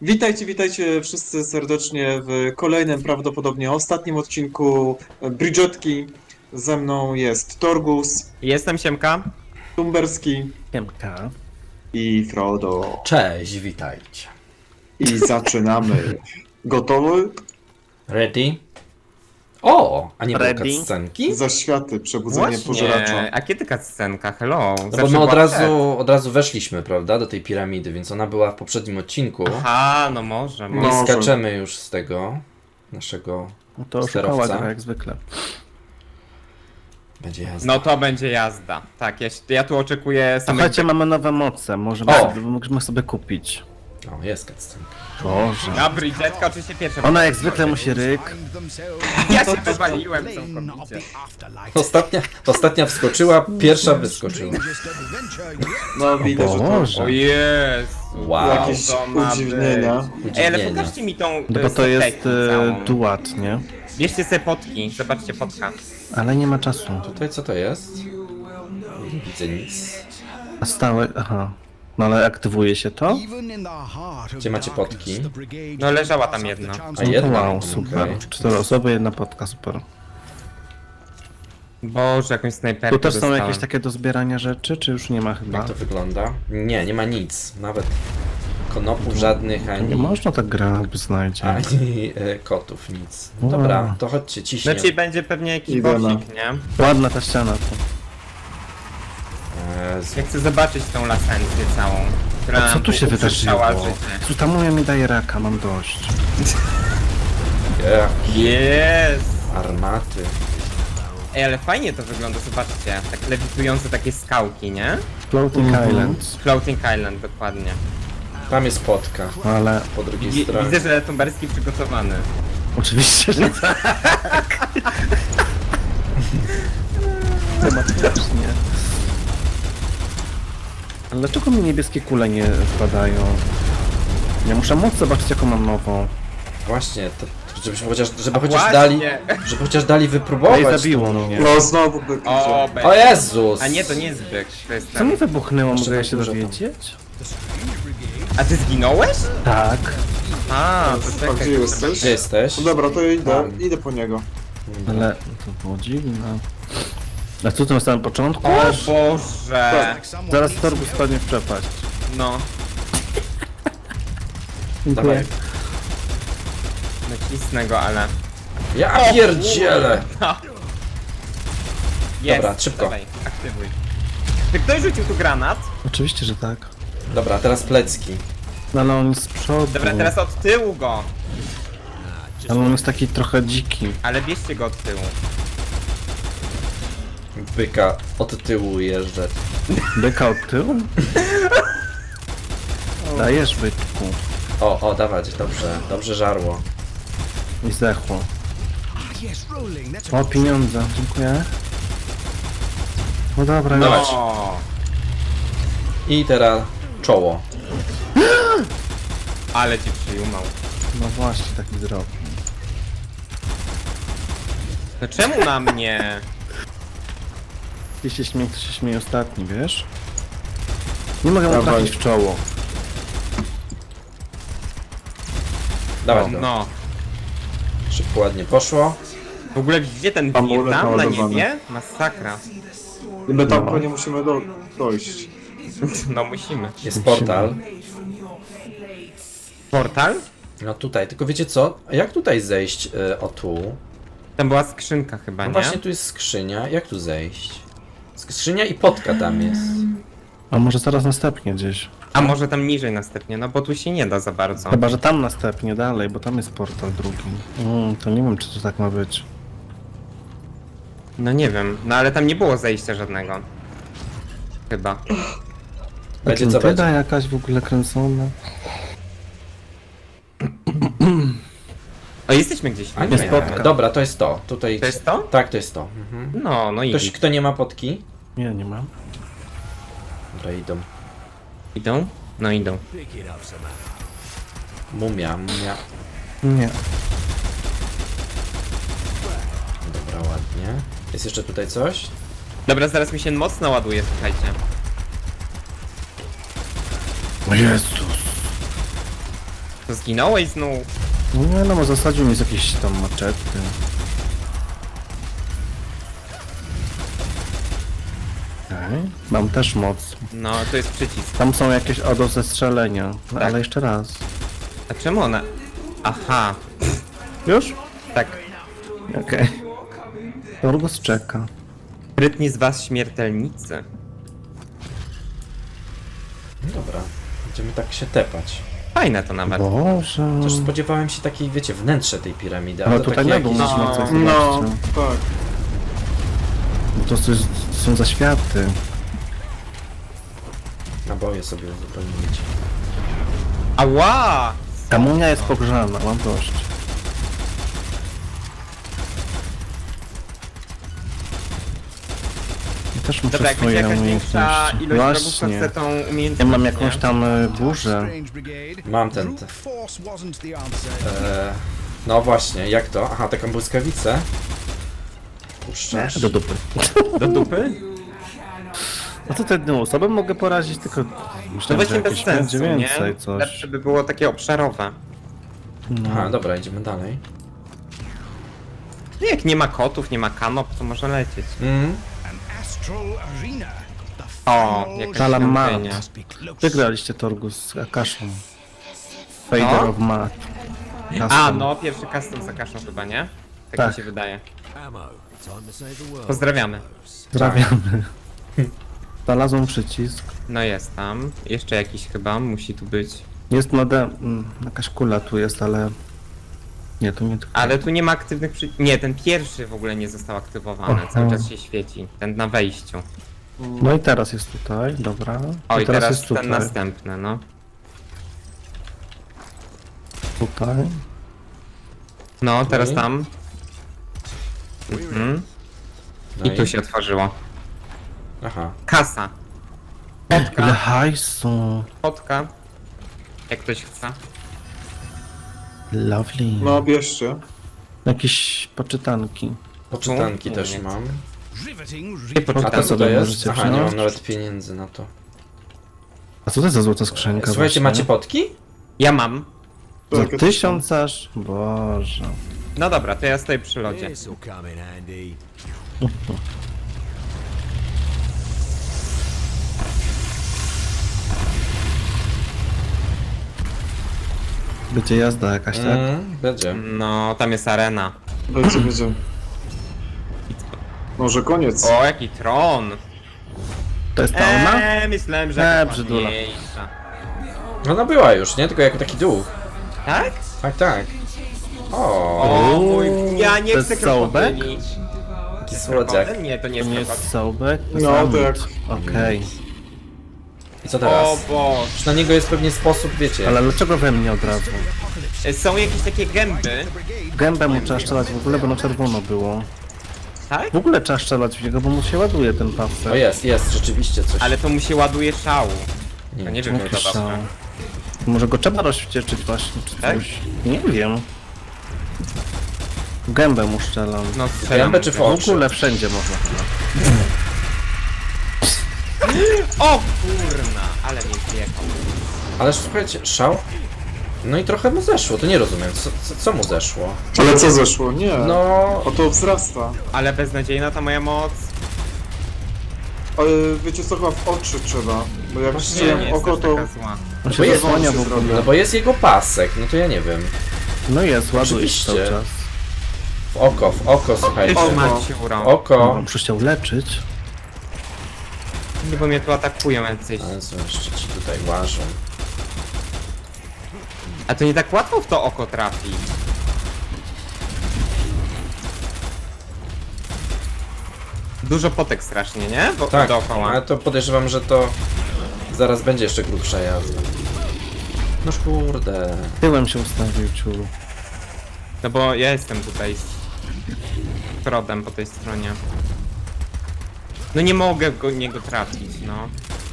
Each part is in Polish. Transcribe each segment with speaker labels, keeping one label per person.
Speaker 1: Witajcie wszyscy serdecznie w kolejnym, prawdopodobnie ostatnim odcinku Bridgetki. Ze mną jest Torgus,
Speaker 2: Jestem Siemka.
Speaker 1: Tumberski
Speaker 3: Siemka.
Speaker 1: i Frodo.
Speaker 4: Cześć, witajcie.
Speaker 1: I zaczynamy. Gotowy?
Speaker 4: Ready? O, a nie było
Speaker 3: Ready?
Speaker 4: cutscenki?
Speaker 1: Zaświaty, przebudzenie pożeracza.
Speaker 2: A kiedy ta scenka? Hello.
Speaker 4: No bo
Speaker 2: Zawsze
Speaker 4: my od
Speaker 2: była przed.
Speaker 4: od razu weszliśmy, prawda, do tej piramidy, więc ona była w poprzednim odcinku.
Speaker 2: Aha, no może.
Speaker 1: No.
Speaker 4: I
Speaker 1: Może.
Speaker 4: skaczemy już z tego naszego.
Speaker 3: No to oszukała
Speaker 4: Sterowca.
Speaker 3: gra jak zwykle.
Speaker 4: Będzie jazda.
Speaker 2: No to będzie jazda. Tak, ja tu oczekuję samych...
Speaker 3: Słuchajcie, mamy nowe moce,
Speaker 4: O!
Speaker 3: możemy sobie kupić.
Speaker 4: O, jest cutscenka.
Speaker 3: Boże.
Speaker 2: No, Bridgetka oczywiście pierwsza.
Speaker 3: Ona jak zwykle musi ryk.
Speaker 2: Ja się wywaliłem całkowicie.
Speaker 4: Ostatnia wskoczyła, pierwsza wyskoczyła.
Speaker 1: No widać, że to
Speaker 3: Boże.
Speaker 2: O Jezu.
Speaker 4: Wow.
Speaker 1: jakieś
Speaker 2: to ma
Speaker 1: udziwnienia.
Speaker 2: być. Ej, ale
Speaker 4: Udziwnienia.
Speaker 2: pokażcie mi tą
Speaker 3: No bo to jest
Speaker 2: całą.
Speaker 3: duat, nie?
Speaker 2: Bierzcie sobie potki, zobaczcie potka.
Speaker 3: Ale nie ma czasu.
Speaker 4: Tutaj co to jest? Nie widzę nic.
Speaker 3: A stałe, aha. No ale aktywuje się to?
Speaker 4: Gdzie macie potki?
Speaker 2: No leżała tam jedna.
Speaker 4: A
Speaker 3: No to
Speaker 4: jedna?
Speaker 3: wow, super.
Speaker 4: Okej.
Speaker 3: 4 osoby, jedna potka, super.
Speaker 2: Boże, jakąś snajperkę
Speaker 3: Tu też są
Speaker 2: dostałem.
Speaker 3: jakieś takie do zbierania rzeczy, czy już nie ma chyba?
Speaker 4: Jak to wygląda? Nie, nie ma nic. Nawet konopów żadnych,
Speaker 3: Nie
Speaker 4: ani...
Speaker 3: można tak grać, by znajdzie.
Speaker 4: Ani kotów, nic.
Speaker 3: Wow.
Speaker 4: Dobra, to chodźcie, ciśnie.
Speaker 2: Znaczy będzie pewnie jakiś
Speaker 1: Idę na-
Speaker 2: bossik, nie?
Speaker 3: Ładna ta ściana tu.
Speaker 2: Ja chcę zobaczyć tą lasencję całą, która
Speaker 3: A co
Speaker 2: nam
Speaker 3: tu się
Speaker 2: uprzeszczała
Speaker 3: wydarzyło?
Speaker 2: życie.
Speaker 3: Tu ta moja mi daje raka, mam dość.
Speaker 2: Jest!
Speaker 4: Armaty.
Speaker 2: Ej, ale fajnie to wygląda, zobaczcie. Tak lewitujące takie skałki, nie?
Speaker 3: Floating Islands.
Speaker 2: Floating Island, dokładnie.
Speaker 4: Tam jest potka.
Speaker 3: Ale
Speaker 4: Po drugiej stronie.
Speaker 2: Widzę, że Tumberski przygotowany.
Speaker 3: oczywiście, że tak. Tematycznie. Ale dlaczego mi niebieskie kule nie wpadają? Ja muszę móc zobaczyć jaką mam nową.
Speaker 4: Właśnie, żebyśmy chociaż, żeby chociaż
Speaker 2: Właśnie.
Speaker 4: dali, żeby chociaż dali
Speaker 3: Ej,
Speaker 4: wypróbować.
Speaker 3: zabiło mnie.
Speaker 1: No znowu by
Speaker 2: O,
Speaker 4: O
Speaker 2: będzie.
Speaker 4: Jezus!
Speaker 2: A nie, to nie jest byk, to jest
Speaker 3: Co mi
Speaker 2: ten.
Speaker 3: wybuchnęło,
Speaker 4: Jeszcze
Speaker 3: mogę ja
Speaker 4: tak
Speaker 3: się
Speaker 4: dużo tam.
Speaker 3: dowiedzieć?
Speaker 2: A ty zginąłeś?
Speaker 3: Tak.
Speaker 2: A, to
Speaker 1: A
Speaker 2: czekaj.
Speaker 1: gdzie jesteś?
Speaker 4: Gdzie jesteś?
Speaker 1: No dobra, to idę,
Speaker 4: Tam.
Speaker 1: idę po niego.
Speaker 3: Ale to było dziwne. A co to na samym początku?
Speaker 2: O Boże!
Speaker 3: Zaraz torbu spadnie w przepaść.
Speaker 2: No,
Speaker 4: Dawaj.
Speaker 2: nacisnę go, ale...
Speaker 4: Ja pierdzielę!
Speaker 2: Jest,
Speaker 4: Dobra, szybko.
Speaker 2: Dawaj, aktywuj. Czy ktoś rzucił tu granat?
Speaker 3: Oczywiście, że tak.
Speaker 4: Dobra, teraz plecki.
Speaker 3: No ale on jest z przodu.
Speaker 2: Dobra, teraz od tyłu go.
Speaker 3: Ale on jest taki trochę dziki.
Speaker 2: Ale bierzcie go od tyłu.
Speaker 4: Byka od tyłu jeżdżę.
Speaker 3: Byka od tyłu? Dajesz byczku.
Speaker 4: O, dawać, dobrze, dobrze żarło.
Speaker 3: I zdechło. O, pieniądze, dziękuję. No dobra,
Speaker 4: Dawaj.
Speaker 3: już.
Speaker 2: O,
Speaker 4: I teraz czoło.
Speaker 2: ale ci przyjumał.
Speaker 3: No właśnie, taki zrobił.
Speaker 2: No czemu na mnie?
Speaker 3: Jeśli się śmieje, to się śmieje ostatni, wiesz? Nie mogę mu
Speaker 1: Dawaj.
Speaker 3: trafić w czoło.
Speaker 4: Dawaj go.
Speaker 2: No.
Speaker 4: Szybko, ładnie poszło.
Speaker 2: W ogóle widzicie ten
Speaker 1: Amulet
Speaker 2: wir tam na
Speaker 1: naładowany.
Speaker 2: niebie? Masakra.
Speaker 1: I my tam pewnie musimy dojść.
Speaker 2: No musimy.
Speaker 4: Jest portal.
Speaker 2: Portal?
Speaker 4: No tutaj, tylko wiecie co? A jak tutaj zejść? O tu.
Speaker 2: Tam była skrzynka chyba,
Speaker 4: No
Speaker 2: nie?
Speaker 4: właśnie tu jest skrzynia. Jak tu zejść? Skrzynia i potka tam jest.
Speaker 3: A może zaraz następnie gdzieś.
Speaker 2: A może tam niżej następnie, no bo tu się nie da za bardzo.
Speaker 3: Chyba, że tam następnie dalej, bo tam jest portal drugi. To nie wiem, czy to tak ma być.
Speaker 2: No nie wiem, no ale tam nie było zejścia żadnego. Chyba.
Speaker 4: Będzie co
Speaker 3: Atlantyda
Speaker 4: będzie.
Speaker 3: jakaś w ogóle kręcona.
Speaker 2: O, jesteśmy gdzieś.
Speaker 4: A
Speaker 3: Jest
Speaker 4: nie,
Speaker 3: potka.
Speaker 4: dobra, to jest to. Tutaj.
Speaker 2: To jest to?
Speaker 4: Tak, to jest to. Mhm.
Speaker 2: No, i
Speaker 4: Ktoś, kto nie ma potki?
Speaker 3: Nie, nie mam.
Speaker 4: Dobra, idą.
Speaker 2: idą? No idą.
Speaker 4: Mumia.
Speaker 3: Nie.
Speaker 4: Dobra, ładnie. Jest jeszcze tutaj coś?
Speaker 2: Dobra, zaraz mi się mocno ładuje, słuchajcie.
Speaker 3: O Jezus.
Speaker 2: To zginąłeś znów.
Speaker 3: Nie no, zasadził mi z jakiejś tam maczety. Okej. Mam też moc.
Speaker 2: No, to jest przycisk.
Speaker 3: Tam są jakieś do zestrzelenia. No,
Speaker 2: Tak.
Speaker 3: ale jeszcze raz.
Speaker 2: A czemu ona... Aha,
Speaker 3: Już?
Speaker 2: tak.
Speaker 3: Okej. Torgus czeka.
Speaker 2: Sprytni z was śmiertelnicy.
Speaker 4: Dobra, będziemy tak się tepać.
Speaker 2: Fajne to nawet.
Speaker 3: Boże.
Speaker 4: Też spodziewałem się takiej, wiecie, wnętrze tej piramidy,
Speaker 3: Ale
Speaker 4: ale to
Speaker 3: tutaj
Speaker 4: takie
Speaker 3: na dół
Speaker 4: jakieś...
Speaker 3: można coś zobaczyć.
Speaker 1: No, tak.
Speaker 3: Bo to są zaświaty.
Speaker 4: Naboje sobie uzupełnić.
Speaker 2: Ała!
Speaker 3: Ta munia jest pogrzana, mam dość. I też muszę
Speaker 2: Dobra, jak będzie
Speaker 3: swoje
Speaker 2: jakaś większa
Speaker 3: umiejętności.
Speaker 2: ilość wrogów, to
Speaker 3: Właśnie.
Speaker 2: chcę tą
Speaker 3: Ja
Speaker 2: umiejętność.
Speaker 3: mam jakąś
Speaker 2: nie?
Speaker 3: tam burzę.
Speaker 4: Mam ten... no właśnie, jak to? Aha, taką błyskawicę. Puszczasz.
Speaker 3: Do dupy.
Speaker 2: Do dupy?
Speaker 3: No to jedną osobę mogę porazić, tylko
Speaker 2: To
Speaker 3: myślałem, że
Speaker 2: właśnie bez
Speaker 3: jakieś będzie
Speaker 2: sensu, nie?
Speaker 3: więcej coś.
Speaker 2: Lepsze by było takie obszarowe.
Speaker 4: Aha, dobra, idziemy dalej.
Speaker 2: No jak nie ma kotów, nie ma kanop, to może lecieć. O, jakaś
Speaker 3: Salamat.
Speaker 2: świątynia.
Speaker 3: Wygraliście Torgus z Akaszą. Fader
Speaker 2: No?
Speaker 3: of Mat.
Speaker 2: A, no, pierwszy custom z Akaszą chyba, nie? Tak,
Speaker 3: Tak.
Speaker 2: mi się wydaje. Pozdrawiamy.
Speaker 3: Pozdrawiamy. Znalazłem przycisk.
Speaker 2: No jest tam. Jeszcze jakiś chyba musi tu być.
Speaker 3: Jest jakaś kula tu jest, ale... Nie, tu nie tylko.
Speaker 2: Ale tu nie ma aktywnych Nie, ten pierwszy w ogóle nie został aktywowany.
Speaker 3: Aha.
Speaker 2: Cały czas się świeci. Ten na wejściu.
Speaker 3: No i teraz jest tutaj, dobra.
Speaker 2: O, i teraz
Speaker 3: jest
Speaker 2: ten
Speaker 3: tutaj.
Speaker 2: następny, no.
Speaker 3: Tutaj.
Speaker 2: No, teraz
Speaker 4: Okej.
Speaker 2: tam. Mhm.
Speaker 4: No
Speaker 2: I tu się otworzyło.
Speaker 4: Aha.
Speaker 2: Kasa.
Speaker 3: Ile hajsu.
Speaker 2: Fotka. Jak ktoś chce.
Speaker 3: Lovely.
Speaker 1: No, bierzcie.
Speaker 3: Jakieś poczytanki.
Speaker 4: Poczytanki
Speaker 2: Nie,
Speaker 4: też
Speaker 2: nie.
Speaker 4: mam.
Speaker 2: Nie
Speaker 4: A
Speaker 2: poczytam.
Speaker 4: to co to
Speaker 3: sobie
Speaker 4: jest?
Speaker 3: możecie
Speaker 4: Aha, nie mam
Speaker 3: wziąć.
Speaker 4: nawet pieniędzy na to.
Speaker 3: A co to jest za złota skrzynka
Speaker 4: Słuchajcie,
Speaker 3: właśnie?
Speaker 4: macie potki?
Speaker 2: Ja mam.
Speaker 3: Za
Speaker 1: Tak, ja też
Speaker 3: 1000 aż? Boże.
Speaker 2: No dobra, to ja stoję przy lodzie.
Speaker 5: This'll come in handy.
Speaker 3: Będzie jazda jakaś, tak?
Speaker 4: Będzie.
Speaker 2: No, tam jest arena.
Speaker 1: Będzie. Może koniec.
Speaker 2: O, jaki tron!
Speaker 3: To jest ta ona?
Speaker 2: Myślałem, że jakaś
Speaker 3: brzydula.
Speaker 2: ładniejsza.
Speaker 4: Ona była już, nie? Tylko jako taki duch.
Speaker 2: Tak?
Speaker 4: Tak, tak. O,
Speaker 2: O mój... Ja nie
Speaker 3: To
Speaker 2: chcę
Speaker 3: jest sołbek?
Speaker 2: krokodyli.
Speaker 4: jaki słodziak.
Speaker 2: Nie, to nie
Speaker 3: To
Speaker 2: jest
Speaker 3: nie jest
Speaker 2: krokodyl.
Speaker 3: sołbek?
Speaker 1: No,
Speaker 3: Zamód.
Speaker 1: tak.
Speaker 3: Okej.
Speaker 4: I co
Speaker 2: O
Speaker 4: teraz?
Speaker 2: Boże.
Speaker 4: Już na niego jest pewnie sposób, wiecie.
Speaker 3: Ale dlaczego we mnie od razu?
Speaker 2: Są jakieś takie gęby.
Speaker 3: Gębę mu trzeba strzelać w ogóle, bo na czerwono było.
Speaker 2: Tak?
Speaker 3: W ogóle trzeba strzelać w niego, bo mu się ładuje ten
Speaker 4: O
Speaker 3: pasek.
Speaker 4: jest, rzeczywiście coś.
Speaker 2: Ale to mu się ładuje szału.
Speaker 4: Nie,
Speaker 2: To nie wiem,
Speaker 3: Jaki
Speaker 2: jak to
Speaker 3: szał.
Speaker 2: dobrze.
Speaker 3: Może go trzeba rozwścieczyć właśnie, czy
Speaker 2: Tak?
Speaker 3: coś. Nie wiem. W gębę mu strzelam.
Speaker 2: No, strzelam.
Speaker 4: Gębę czy w
Speaker 3: W
Speaker 4: oczy?
Speaker 3: ogóle wszędzie można chyba.
Speaker 2: O kurna, ale mnie zjechał.
Speaker 4: Ale słuchajcie, szał? No i trochę mu zeszło, to nie rozumiem. Co mu zeszło?
Speaker 1: Ale co zeszło? Nie.
Speaker 4: No,
Speaker 1: O, to wzrasta.
Speaker 2: Ale beznadziejna ta moja moc.
Speaker 1: Ale wiecie co, chyba w oczy trzeba. Bo jak
Speaker 2: Nie,
Speaker 1: strzelam
Speaker 2: nie jest
Speaker 1: oko,
Speaker 2: też
Speaker 1: to...
Speaker 2: taka zła.
Speaker 3: On
Speaker 4: bo
Speaker 3: się
Speaker 4: jest-
Speaker 3: zasłania w
Speaker 1: on się
Speaker 3: ogóle.
Speaker 4: no bo jest jego pasek, no to ja nie wiem.
Speaker 3: No jest, ładuje
Speaker 4: Oczywiście.
Speaker 3: cały czas.
Speaker 4: W oko, słuchajcie.
Speaker 2: Tyż
Speaker 1: Oko.
Speaker 2: Maciuro.
Speaker 4: Oko.
Speaker 3: On przecież chciał leczyć.
Speaker 2: Nie, bo mnie tu atakują jacyś.
Speaker 4: Ale co jeszcze ci tutaj łażą?
Speaker 2: A to nie tak łatwo w to oko trafi. Dużo potek strasznie, nie? Bo
Speaker 4: Tak,
Speaker 2: dookoła.
Speaker 4: ale to podejrzewam, że to zaraz będzie jeszcze grubsza jazda. Noż kurde.
Speaker 3: Tyłem się ustawił, ciulu.
Speaker 2: No bo ja jestem tutaj z Trodem po tej stronie. No nie mogę go niego trafić, no.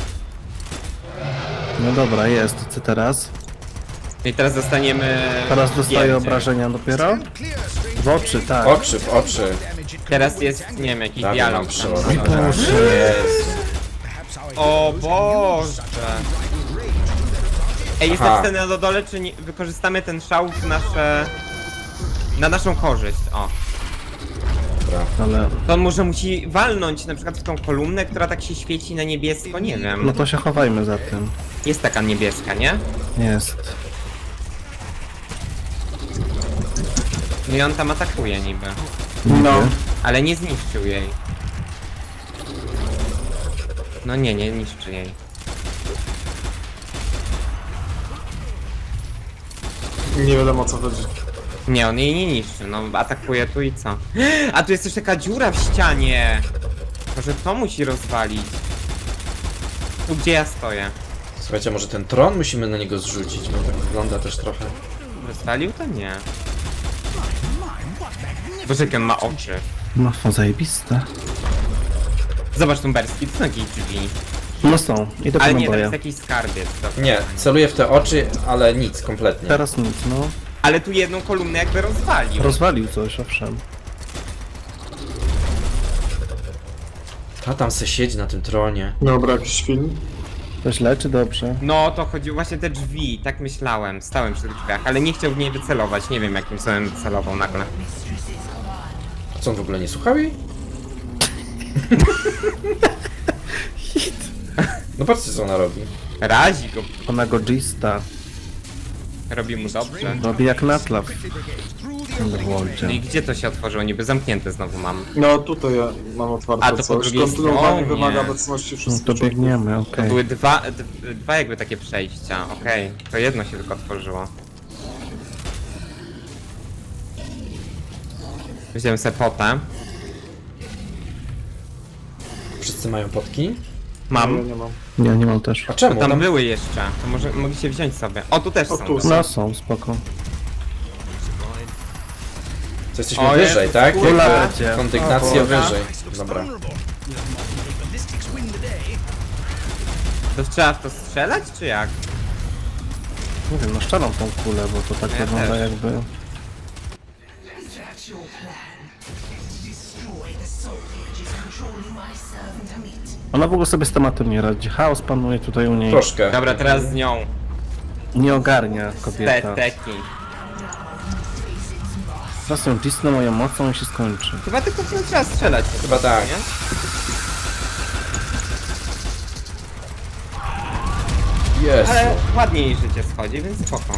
Speaker 3: No dobra, jest. Co teraz?
Speaker 2: I teraz dostaniemy...
Speaker 3: Teraz dostaje
Speaker 2: zdjęcie.
Speaker 3: obrażenia dopiero? W oczy, tak.
Speaker 4: Oczy w oczy.
Speaker 2: Teraz jest, nie wiem, jakiś
Speaker 4: Dawid nam
Speaker 2: dialog.
Speaker 4: przeładował.
Speaker 3: Boże.
Speaker 4: Jezu.
Speaker 2: O Boże! Ej, jest
Speaker 4: Aha.
Speaker 2: napisane na dole, czy nie, wykorzystamy ten szał w nasze... Na naszą korzyść, o.
Speaker 4: Dobra.
Speaker 3: Ale
Speaker 2: To on może musi walnąć na przykład w tą kolumnę, która tak się świeci na niebiesko, nie wiem.
Speaker 3: no to się chowajmy za tym.
Speaker 2: Jest taka niebieska, nie?
Speaker 3: Jest.
Speaker 2: No i on tam atakuje niby.
Speaker 1: No.
Speaker 2: Ale nie zniszczył jej. No nie niszczy jej.
Speaker 1: Nie wiadomo o co chodzi.
Speaker 2: Nie, on jej nie niszczy, no atakuje tu i co? A tu jest też taka dziura w ścianie! Może to musi rozwalić. Tu gdzie ja stoję.
Speaker 4: Słuchajcie, może ten tron musimy na niego zrzucić, bo tak wygląda też trochę.
Speaker 2: Rozwalił to nie. Boże, jak on ma oczy.
Speaker 3: No to zajebiste.
Speaker 2: Zobacz Tumberski, to są jakieś drzwi.
Speaker 3: No są. Idę po
Speaker 2: Ale nie, to
Speaker 3: naboje.
Speaker 2: jest jakiś skarbiec. Dobra.
Speaker 4: Nie, celuję w te oczy, ale nic, kompletnie.
Speaker 3: Teraz nic, no.
Speaker 2: Ale tu jedną kolumnę jakby rozwalił.
Speaker 3: Rozwalił coś, owszem.
Speaker 4: Ta tam se siedzi na tym tronie.
Speaker 1: Dobra, jakiś film.
Speaker 3: To źle czy dobrze?
Speaker 2: No, to chodziło właśnie te drzwi, tak myślałem. Stałem przy tych drzwiach, ale nie chciał w niej wycelować. Nie wiem, jakim celem wycelował nagle.
Speaker 4: A co, on w ogóle nie słuchał jej? No patrzcie, co ona robi.
Speaker 2: Razi go,
Speaker 3: Ona go Gista.
Speaker 2: robi mu dobrze.
Speaker 3: Robi jak Natlaw.
Speaker 2: No i
Speaker 3: Underworldzie.
Speaker 2: gdzie to się otworzyło? Niby zamknięte znowu mam.
Speaker 1: No tutaj ja mam otwarte
Speaker 2: A, to po
Speaker 1: coś.
Speaker 2: drugiej
Speaker 1: Kontynuowanie
Speaker 2: stronie.
Speaker 1: wymaga obecności
Speaker 3: No
Speaker 1: wszystkich
Speaker 3: to
Speaker 1: członków.
Speaker 3: biegniemy,
Speaker 2: To
Speaker 3: okej.
Speaker 2: były dwa jakby takie przejścia, okej. To jedno się tylko otworzyło. Wziąłem sobie potę.
Speaker 4: Wszyscy mają potki?
Speaker 1: Ja
Speaker 2: Mam.
Speaker 1: nie mam.
Speaker 3: Nie, nie mam też.
Speaker 4: A czemu?
Speaker 2: No tam były jeszcze. To może mogliście wziąć sobie. O, tu też
Speaker 1: O,
Speaker 2: są.
Speaker 1: tu
Speaker 2: dobra.
Speaker 3: No są, spoko.
Speaker 4: To jesteśmy
Speaker 2: O,
Speaker 4: wyżej,
Speaker 2: Jezus,
Speaker 4: tak?
Speaker 2: kurwa.
Speaker 4: Jakby
Speaker 3: Będzie.
Speaker 4: kondygnacja
Speaker 2: O,
Speaker 4: wyżej. Dobra.
Speaker 2: To trzeba w to strzelać, czy jak?
Speaker 3: Nie wiem, no szczelam tą kulę, bo to tak
Speaker 2: Ja
Speaker 3: wygląda
Speaker 2: też.
Speaker 3: jakby... Ona w ogóle sobie z tematem nie radzi. Chaos panuje tutaj u niej.
Speaker 4: Troszkę.
Speaker 2: Dobra, teraz z nią.
Speaker 3: Nie ogarnia
Speaker 2: Te
Speaker 3: kobieta.
Speaker 2: teki.
Speaker 3: Teraz ją cisnę moją mocą i się skończy.
Speaker 2: Chyba tylko w nią trzeba strzelać.
Speaker 4: Chyba tak.
Speaker 2: Nie?
Speaker 4: Jest.
Speaker 2: Ale ładnie jej życie schodzi, więc spoko.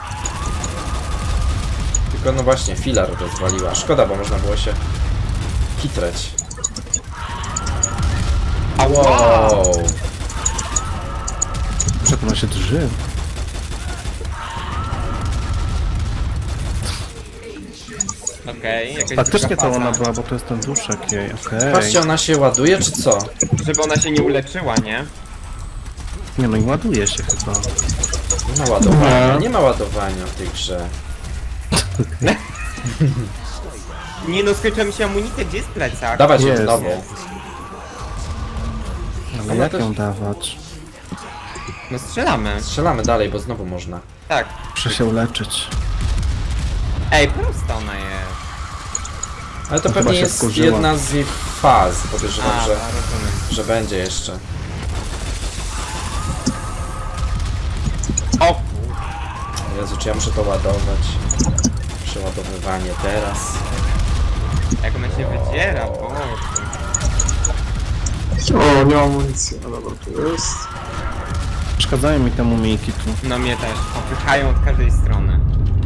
Speaker 4: Tylko no właśnie, filar rozwaliła. Szkoda, bo można było się kitrać. Wow.
Speaker 3: Przed ona się drży.
Speaker 2: Okej, jakaś
Speaker 3: Faktycznie
Speaker 2: druga
Speaker 3: to
Speaker 2: faza.
Speaker 3: ona była, bo to jest ten duszek jej, okej.
Speaker 4: Patrzcie, ona się ładuje, czy co?
Speaker 2: Żeby ona się nie uleczyła, nie?
Speaker 3: Nie no i ładuje się chyba.
Speaker 4: Nie ma ładowania, nie ma ładowania w tej grze.
Speaker 2: Nie no, skończyła mi się amunicja, gdzie jest plecak?
Speaker 4: Dawać ją
Speaker 3: Jest.
Speaker 4: znowu.
Speaker 3: Ale jak ją dawać?
Speaker 2: No strzelamy.
Speaker 4: Strzelamy dalej, bo znowu można.
Speaker 2: Tak.
Speaker 3: Muszę się uleczyć.
Speaker 2: Ej, prosta ona jest.
Speaker 4: Ale to
Speaker 3: No
Speaker 4: pewnie
Speaker 3: chyba się
Speaker 4: jest
Speaker 3: wkurzyła.
Speaker 4: jedna z jej faz. Podejrzewam,
Speaker 2: A,
Speaker 4: że,
Speaker 2: rozumiem.
Speaker 4: że będzie jeszcze.
Speaker 2: O kur...
Speaker 4: Jezu, czy ja muszę to ładować? Przeładowywanie teraz.
Speaker 2: Jak ona się wydziera, boże.
Speaker 1: O, nie mam amunicji. No dobra, tu jest.
Speaker 3: Przeszkadzają mi te mumijki tu.
Speaker 2: No mnie też. Popychają od każdej strony.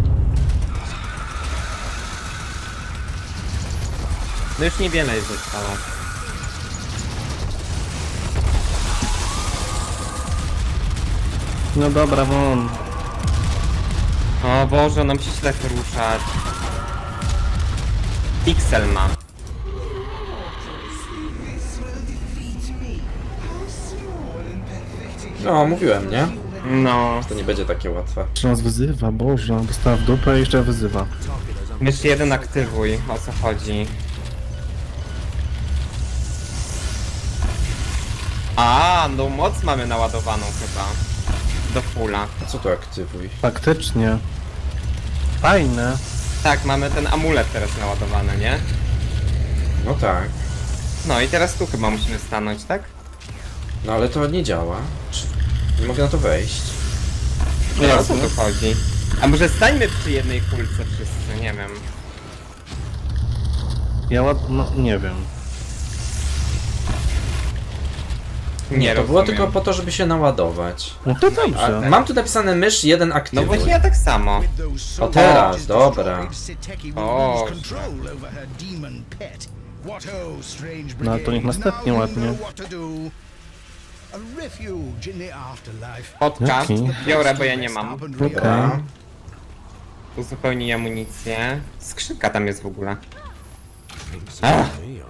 Speaker 2: No już niewiele jest zostało.
Speaker 3: No dobra, won.
Speaker 2: O Boże, ona musi się tak ruszać. Pixel ma.
Speaker 4: No, mówiłem, nie?
Speaker 2: No.
Speaker 4: To nie będzie takie łatwe.
Speaker 3: Czy nas wyzywa? Boże, dostała w dupę i jeszcze wyzywa.
Speaker 2: Jeszcze jeden aktywuj, o co chodzi. A, no moc mamy naładowaną chyba. Do fulla.
Speaker 4: A co tu aktywuj?
Speaker 3: Faktycznie. Fajne.
Speaker 2: Tak, mamy ten amulet teraz naładowany, nie?
Speaker 4: No tak.
Speaker 2: No i teraz tu chyba musimy stanąć, tak?
Speaker 4: No ale to nie działa. Czy... Nie mogę na to wejść.
Speaker 2: No o co tu chodzi? A może stańmy przy jednej kulce wszyscy, nie wiem.
Speaker 3: No nie wiem.
Speaker 2: Nie
Speaker 4: To było
Speaker 2: rozumiem.
Speaker 4: tylko po to, żeby się naładować.
Speaker 3: No to
Speaker 4: A,
Speaker 3: dobrze.
Speaker 4: mam tu napisane mysz 1
Speaker 2: No
Speaker 4: aktywuj.
Speaker 2: właśnie ja tak samo.
Speaker 4: O teraz, dobra.
Speaker 2: O,
Speaker 3: No ale to niech następnie ładnie.
Speaker 2: podcast
Speaker 3: Jaki?
Speaker 2: biorę, bo ja nie mam.
Speaker 3: Okej.
Speaker 2: Uzupełnij amunicję. Skrzynka tam jest w ogóle. Ach,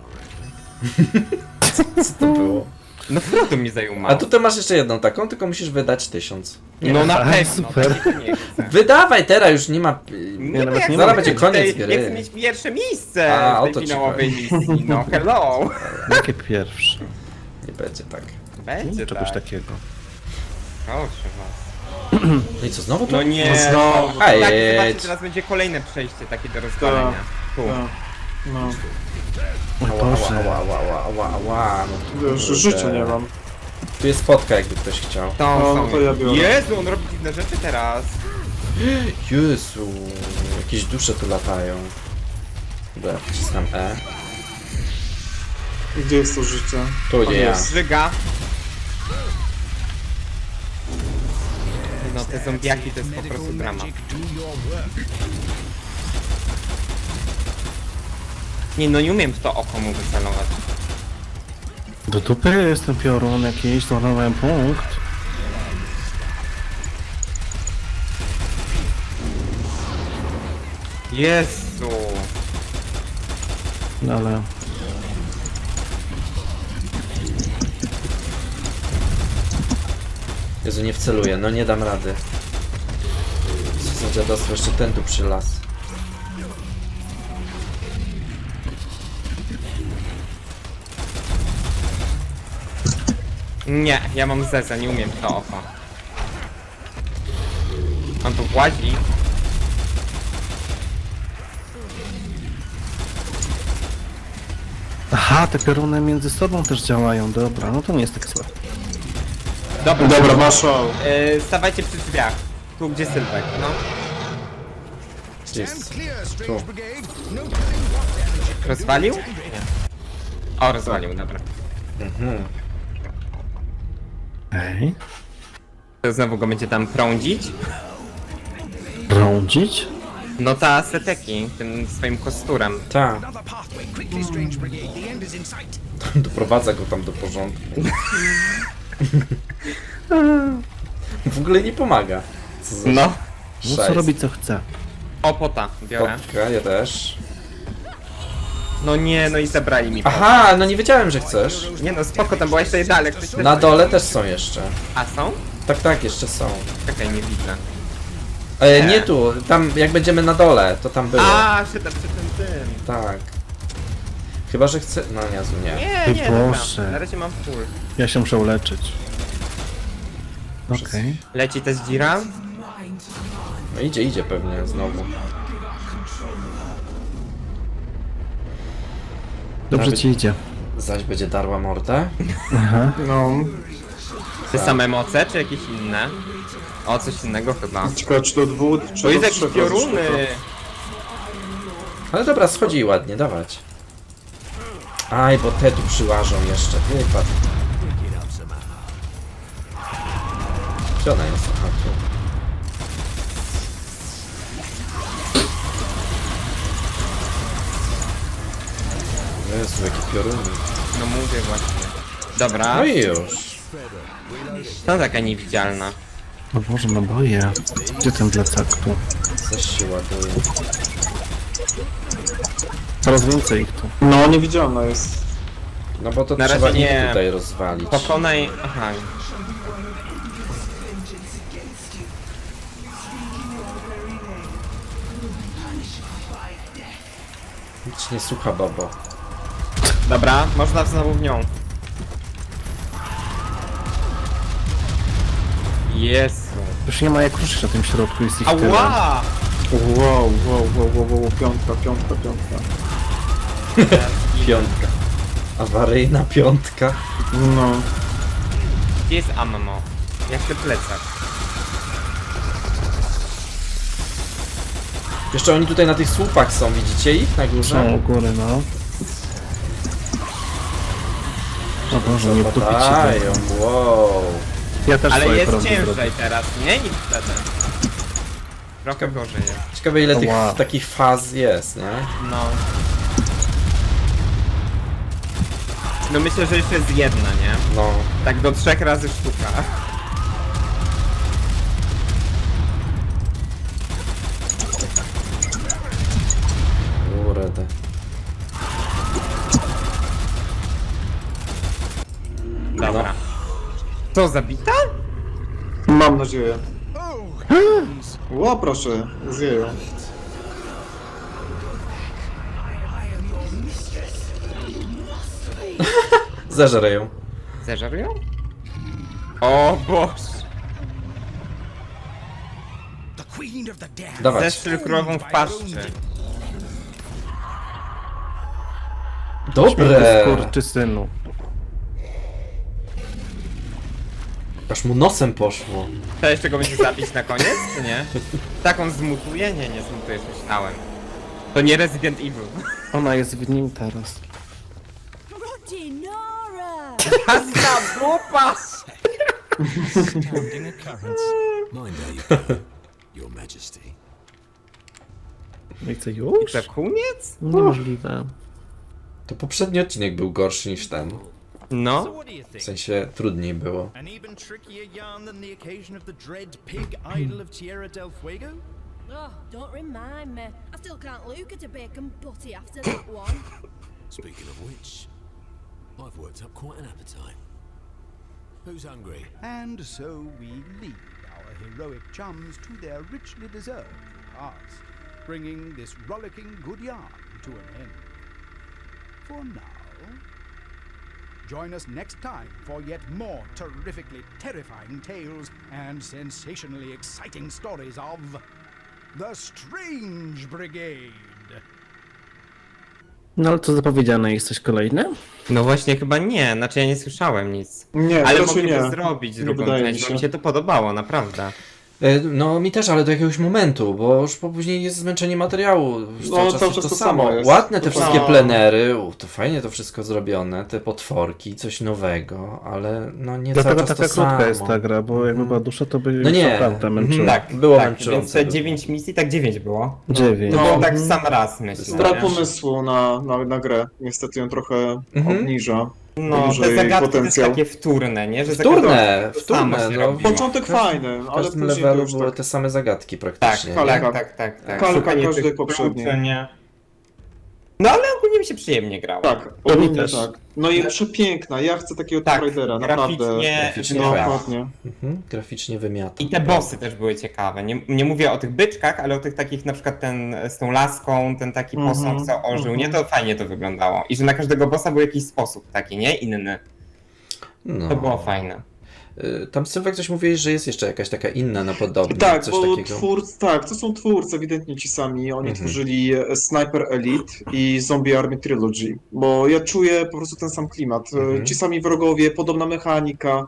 Speaker 4: Co to było?
Speaker 2: no Frodo mi zajął
Speaker 4: A
Speaker 2: mało.
Speaker 4: tutaj masz jeszcze jedną taką, tylko musisz wydać 1000.
Speaker 2: No na
Speaker 3: A,
Speaker 2: pewno,
Speaker 3: super.
Speaker 2: tak nie chcę.
Speaker 4: Wydawaj teraz, już nie ma...
Speaker 2: Nie,
Speaker 3: nawet
Speaker 2: jak
Speaker 3: nie
Speaker 2: chcę
Speaker 3: ma.
Speaker 4: Będzie koniec
Speaker 2: tej-
Speaker 4: gry.
Speaker 2: Nie chcę mieć pierwsze miejsce
Speaker 4: A, o
Speaker 2: w
Speaker 4: to
Speaker 2: tej
Speaker 4: ci
Speaker 2: finałowej
Speaker 4: chodzi.
Speaker 2: misji. No hello.
Speaker 3: Jakie pierwsze?
Speaker 4: Nie będzie tak.
Speaker 2: Będzie
Speaker 3: Czegoś
Speaker 2: tak.
Speaker 3: takiego.
Speaker 2: Proszę was.
Speaker 4: No i co, znowu to?
Speaker 2: No nie.
Speaker 1: No znowu.
Speaker 2: Tak,
Speaker 4: Ej,
Speaker 2: zobaczcie, teraz będzie kolejne przejście takie do rozwalenia. Tu.
Speaker 1: Tak. No,
Speaker 3: Oj
Speaker 4: Ała,
Speaker 3: Boże.
Speaker 4: ała, ała, ała, ała, ała. No to
Speaker 1: już
Speaker 4: kurde.
Speaker 1: życia nie mam.
Speaker 4: Tu jest spotka, jakby ktoś chciał.
Speaker 2: To
Speaker 1: No,
Speaker 2: są.
Speaker 1: to ja biorę.
Speaker 2: Jezu, on robi dziwne rzeczy teraz.
Speaker 4: Jezu, jakieś dusze tu latają. Dobra, wcisnam E.
Speaker 1: Gdzie jest to życie?
Speaker 4: Tu gdzie ja.
Speaker 1: jest.
Speaker 2: Żyga. No te zombiaki to jest po prostu drama. Nie no, nie umiem w to oko mu wycelować.
Speaker 3: Do dupy jest ten piorun jakiś, zmarnowałem punkt.
Speaker 2: Jezu.
Speaker 3: No ale...
Speaker 4: Jezu, nie wceluję, no nie dam rady. Co za dziadostwo, jeszcze ten tu przylas.
Speaker 2: Nie, ja mam zeza, nie umiem w to oko. On tu włazi.
Speaker 3: Aha, te pioruny między sobą też działają, dobra, no to nie jest tak słabe.
Speaker 2: Dobra,
Speaker 1: Dobra, masz o.
Speaker 2: stawajcie przy drzwiach. Tu gdzie Sylwek, no.
Speaker 4: Gdzie jest? Tu.
Speaker 2: Rozwalił? Nie. O, rozwalił, dobra.
Speaker 4: Mhm.
Speaker 3: Ej,
Speaker 2: To znowu go będzie tam prądzić.
Speaker 3: rądzić?
Speaker 2: No ta seteki, tym swoim kosturem.
Speaker 4: Ta. Doprowadza go tam do porządku. W ogóle nie pomaga. Co za
Speaker 2: No.
Speaker 3: No
Speaker 4: szajs.
Speaker 3: co robi co chce.
Speaker 2: Opota biorę.
Speaker 4: Kotka, ja też.
Speaker 2: No nie, no i zabrali mi pot.
Speaker 4: Aha, no nie wiedziałem, że chcesz.
Speaker 2: Nie no, spoko, tam była jeszcze jedna, ale ktoś też...
Speaker 4: Na dole też są jeszcze.
Speaker 2: A są?
Speaker 4: Tak, tak, jeszcze są.
Speaker 2: Czekaj, nie widzę.
Speaker 4: Nie tu, tam jak będziemy na dole, to tam było.
Speaker 2: A, przy tym.
Speaker 4: Tak. Chyba, że chcę... No Jezu, nie.
Speaker 2: Nie, nie,
Speaker 3: Boże.
Speaker 2: dobra. Na razie mam full.
Speaker 3: Ja się muszę uleczyć. Okej.
Speaker 2: Leci też dzira?
Speaker 4: No idzie pewnie znowu.
Speaker 3: Dobrze
Speaker 4: Nawet-
Speaker 3: ci idzie.
Speaker 4: Zaś będzie darła mordę.
Speaker 3: Aha.
Speaker 1: No,
Speaker 2: Te same moce, czy jakieś inne? O, coś innego chyba.
Speaker 1: ciekawe czy do dwóch, czy
Speaker 2: To
Speaker 1: do
Speaker 2: jest jakieś
Speaker 1: trzech
Speaker 2: pioruny!
Speaker 1: razy
Speaker 4: Ale dobra, schodzi ładnie, dawać. Aj, bo te tu przyłażą jeszcze. Wypadł. Gdzie ona jest? Aha, tu. Jezu, jakie pioruny.
Speaker 2: No mówię właśnie. Dobra,
Speaker 4: No i już.
Speaker 2: to taka niewidzialna.
Speaker 3: No Boże, no boję. Gdzie ten plecak tu?
Speaker 4: Coś się ładuje.
Speaker 3: Coraz więcej ich tu.
Speaker 1: No, niewidzialna jest.
Speaker 4: No bo to
Speaker 2: Na
Speaker 4: trzeba
Speaker 2: razie
Speaker 4: ich
Speaker 2: nie.
Speaker 4: tutaj rozwalić.
Speaker 2: Pokonaj... Aha.
Speaker 4: Nic nie słucha, babo.
Speaker 2: Dobra, można znowu w nią. Jezu.
Speaker 3: Już nie ma jak ruszyć na tym środku, jest ich tyle.
Speaker 2: Ała!
Speaker 1: Wow, piątka.
Speaker 4: Piątka. Awaryjna piątka.
Speaker 1: No,
Speaker 2: Gdzie jest ammo? Jak się plecak?
Speaker 4: Jeszcze oni tutaj na tych słupach są, widzicie ich na górze?
Speaker 3: Są u góry, no. O Boże, nie wtupić się
Speaker 4: Dają,
Speaker 3: tak.
Speaker 4: wow.
Speaker 3: Ja też
Speaker 2: Ale
Speaker 3: swoje
Speaker 2: jest
Speaker 3: prądy
Speaker 2: ciężej
Speaker 3: zrobię.
Speaker 2: teraz, nie? Niż wtedy. Trochę gorzej jest.
Speaker 4: Ciekawe ile tych
Speaker 3: Wow.
Speaker 4: takich faz jest, nie?
Speaker 2: No. No myślę, że jeszcze jest jedna, nie?
Speaker 4: No.
Speaker 2: Tak do 3 razy sztuka.
Speaker 4: Kurde.
Speaker 2: Dobra. To zabita?
Speaker 1: Mam nadzieję. Ło, proszę, zjeją.
Speaker 4: Zeżerę ją.
Speaker 2: Zeżerują? O Boże!
Speaker 4: Dawać.
Speaker 2: Zeszczyl królową w paszczy.
Speaker 4: Dobre!
Speaker 3: Skurczysynu.
Speaker 4: Aż mu nosem poszło.
Speaker 2: To jeszcze go będzie zabić na koniec, czy nie? Tak on zmutuje? Nie, nie zmutujesz, myślałem. To nie Resident Evil.
Speaker 3: Ona jest w nim teraz.
Speaker 5: Rodinora!
Speaker 2: Hasna dupa!
Speaker 6: Astounding occurrence. Mind are Your Majesty.
Speaker 3: No i co, już?
Speaker 2: To koniec?
Speaker 3: Niemożliwe.
Speaker 4: To poprzedni odcinek był gorszy niż ten.
Speaker 2: No.
Speaker 7: What do you
Speaker 4: W
Speaker 7: think?
Speaker 4: sensie trudniej było.
Speaker 7: An even trickier yarn than the occasion of the dread pig idol of Tierra del Fuego?
Speaker 5: Oh, don't remind me. I still can't look at a bacon butty after that one.
Speaker 6: Speaking of which, I've worked up quite an appetite. Who's hungry?
Speaker 7: And so we lead our heroic chums to their richly deserved repast, bringing this rollicking good yarn to an end. For now, join us next time for yet more terrifically terrifying tales and sensationally exciting stories of the Strange Brigade.
Speaker 3: No ale co zapowiedziane, jest coś kolejne?
Speaker 2: No właśnie chyba nie, znaczy ja nie słyszałem nic.
Speaker 1: Nie,
Speaker 2: Ale
Speaker 1: raczej
Speaker 2: mogliby
Speaker 1: nie.
Speaker 2: zrobić
Speaker 1: Nie
Speaker 2: drugą
Speaker 1: wydaje mi
Speaker 2: część, bo
Speaker 1: się.
Speaker 2: mi się to podobało, naprawdę.
Speaker 4: No mi też, ale do jakiegoś momentu, bo już później jest zmęczenie materiału. Już
Speaker 1: No,
Speaker 4: cały czas
Speaker 1: cały
Speaker 4: jest
Speaker 1: czas
Speaker 4: to
Speaker 1: to
Speaker 4: samo.
Speaker 1: samo jest.
Speaker 4: Ładne te
Speaker 1: To
Speaker 4: wszystkie
Speaker 1: samo.
Speaker 4: plenery, to fajnie to wszystko zrobione, te potworki, coś nowego, ale no nie cały
Speaker 3: Dlatego
Speaker 4: czas
Speaker 3: taka
Speaker 4: to
Speaker 3: krótka
Speaker 4: samo.
Speaker 3: jest ta gra, bo jakby była dusza, to by
Speaker 4: No nie.
Speaker 3: naprawdę męczyła.
Speaker 2: Tak,
Speaker 4: Było
Speaker 2: tak,
Speaker 4: męczące.
Speaker 2: więc te 9 misji, tak 9 było.
Speaker 3: 9.
Speaker 2: To
Speaker 1: No.
Speaker 2: było tak w sam raz, myślę.
Speaker 1: Brak
Speaker 2: nie?
Speaker 1: pomysłu na grę. Niestety ją trochę
Speaker 4: Mhm.
Speaker 1: obniża.
Speaker 2: No, te
Speaker 1: Duży
Speaker 2: zagadki
Speaker 1: potencjał.
Speaker 2: też takie wtórne, nie? Że za
Speaker 4: Wtórne,
Speaker 2: każdym to samo
Speaker 4: wtórne,
Speaker 2: się
Speaker 4: no.
Speaker 2: robiło.
Speaker 1: Początek fajny,
Speaker 4: W
Speaker 1: ale
Speaker 4: każdym
Speaker 1: później to
Speaker 4: levelu
Speaker 1: już
Speaker 4: były
Speaker 1: tak.
Speaker 4: te same zagadki
Speaker 2: Tak,
Speaker 4: praktycznie.
Speaker 1: kalka.
Speaker 2: tak.
Speaker 1: Kalka
Speaker 2: Szukanie
Speaker 1: każdej
Speaker 2: tych
Speaker 1: poprzedniej.
Speaker 2: kluczy, nie? No ale ogólnie mi się przyjemnie grało.
Speaker 1: Tak,
Speaker 3: To mi
Speaker 1: ogólnie
Speaker 3: też.
Speaker 1: tak. No i przepiękna, ja chcę takiego
Speaker 2: Tak,
Speaker 1: Tomb Raidera, naprawdę.
Speaker 2: graficznie
Speaker 1: No,
Speaker 2: wybrał.
Speaker 1: dokładnie.
Speaker 4: Graficznie wymiata.
Speaker 2: I te bossy też były ciekawe. Nie mówię o tych byczkach, ale o tych takich, na przykład ten z tą laską, ten taki posąg, co ożył, nie? To fajnie to wyglądało. I że na każdego bossa był jakiś sposób taki, nie? Inny.
Speaker 4: No.
Speaker 2: To było fajne.
Speaker 4: Tam Sylwek coś mówiłeś, że jest jeszcze jakaś taka inna na podobnie,
Speaker 1: Tak,
Speaker 4: coś
Speaker 1: bo
Speaker 4: takiego.
Speaker 1: to są twórcy, ewidentnie ci sami. Oni
Speaker 4: Mhm.
Speaker 1: tworzyli Sniper Elite i Zombie Army Trilogy, bo ja czuję po prostu ten sam klimat.
Speaker 4: Mhm.
Speaker 1: Ci sami wrogowie, podobna mechanika,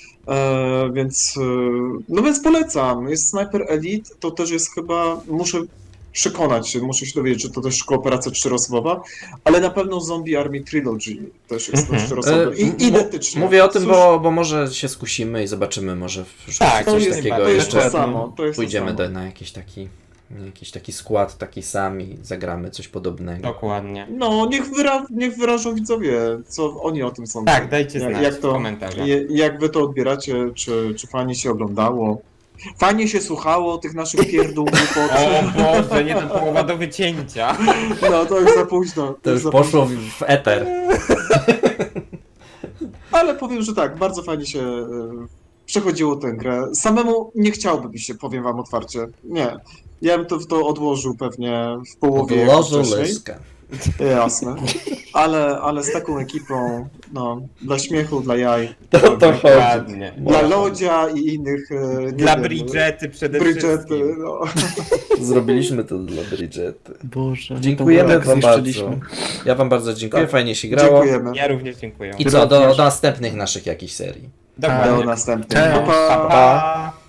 Speaker 1: więc polecam. Jest Sniper Elite, to też jest chyba, muszę się dowiedzieć, czy to też kooperacja 4-osobowa, ale na pewno Zombie Army Trilogy też jest
Speaker 2: Mhm.
Speaker 1: 4-osobowy. Identycznie.
Speaker 4: Mówię o tym,
Speaker 1: Cóż,
Speaker 4: bo może się skusimy i zobaczymy, może w
Speaker 2: Tak,
Speaker 4: coś
Speaker 1: jest-
Speaker 4: takiego
Speaker 1: to jest to
Speaker 4: jeszcze
Speaker 1: samo. To jest to
Speaker 4: pójdziemy
Speaker 1: samo.
Speaker 4: na jakiś taki skład, taki sam i zagramy coś podobnego.
Speaker 2: Dokładnie.
Speaker 1: No, niech wyrażą widzowie, co oni o tym sądzą.
Speaker 2: Tak, dajcie znać
Speaker 1: jak
Speaker 2: w
Speaker 1: to,
Speaker 2: komentarzach.
Speaker 1: jak wy to odbieracie, czy fajnie się oglądało. Fajnie się słuchało tych naszych pierdół głupot.
Speaker 2: O Boże, nie to połowa do wycięcia.
Speaker 1: No, to już za późno.
Speaker 4: To już
Speaker 1: za
Speaker 4: poszło
Speaker 1: późno.
Speaker 4: w eter.
Speaker 1: Ale powiem, że tak, bardzo fajnie się przechodziło tę grę. Samemu nie chciałbym się, powiem wam otwarcie. Nie. Ja bym to odłożył pewnie w połowie
Speaker 4: Odłożył
Speaker 1: wcześniej.
Speaker 4: lyskę.
Speaker 1: Jasne. Ale z taką ekipą, no, dla śmiechu, dla jaj,
Speaker 4: To chodzi.
Speaker 2: Dokładnie.
Speaker 1: dla Lodzia i innych... nie
Speaker 2: Dla
Speaker 1: wiem,
Speaker 2: Bridgety przede
Speaker 1: Bridgety,
Speaker 2: wszystkim.
Speaker 1: no.
Speaker 4: Zrobiliśmy to dla Bridgety.
Speaker 3: Boże.
Speaker 4: Dziękujemy
Speaker 3: tak
Speaker 4: wam bardzo.
Speaker 3: zniszczyliśmy.
Speaker 4: Ja wam bardzo dziękuję,
Speaker 1: Tak.
Speaker 4: fajnie się grało.
Speaker 1: Dziękujemy.
Speaker 2: Ja również dziękuję.
Speaker 4: I co, do następnych naszych jakichś serii.
Speaker 1: Do
Speaker 2: Dokładnie.
Speaker 1: następnego.
Speaker 3: Cześć.
Speaker 1: Pa, pa.
Speaker 2: Pa, pa.